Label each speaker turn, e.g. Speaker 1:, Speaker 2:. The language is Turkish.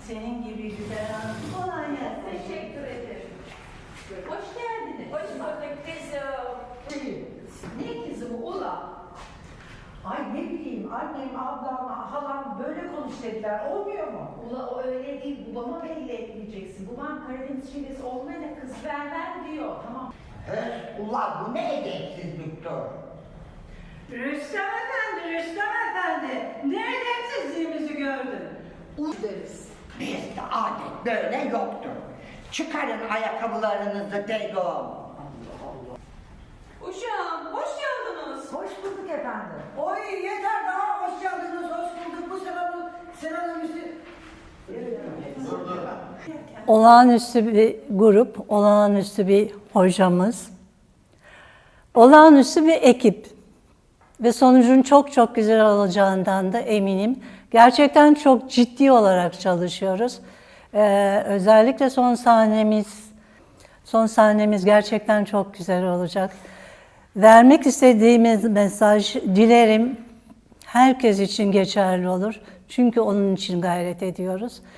Speaker 1: Senin gibi güzel hanım. Kolay gelsin.
Speaker 2: Teşekkür ederim.
Speaker 1: Hoş geldiniz.
Speaker 2: Hoş bulduk kızım.
Speaker 1: Ne kızım ula? Ay ne bileyim annem, ablam, halam böyle konuş dediler. Olmuyor mu?
Speaker 2: Ula o öyle değil, babama belli etmeyeceksin. Babam Karadeniz şivesi olmayana kız vermem diyor. Tamam.
Speaker 3: Ulan bu ne edepsizliktir?
Speaker 1: Rüstem Efendi, ne edepsizliğimizi gördün?
Speaker 2: Deriz.
Speaker 3: Bizde adet böyle yoktur. Çıkarın ayakkabılarınızı dedim.
Speaker 2: Uşağım, hoş geldiniz.
Speaker 1: Hoş bulduk efendim.
Speaker 4: Oy yeter daha hoş geldiniz, hoş bulduk. Bu selamımızı...
Speaker 5: Olağanüstü bir grup, olağanüstü bir hocamız, olağanüstü bir ekip ve sonucun çok çok güzel olacağından da eminim. Gerçekten çok ciddi olarak çalışıyoruz. Özellikle son sahnemiz gerçekten çok güzel olacak. Vermek istediğimiz mesaj dilerim herkes için geçerli olur. Çünkü onun için gayret ediyoruz.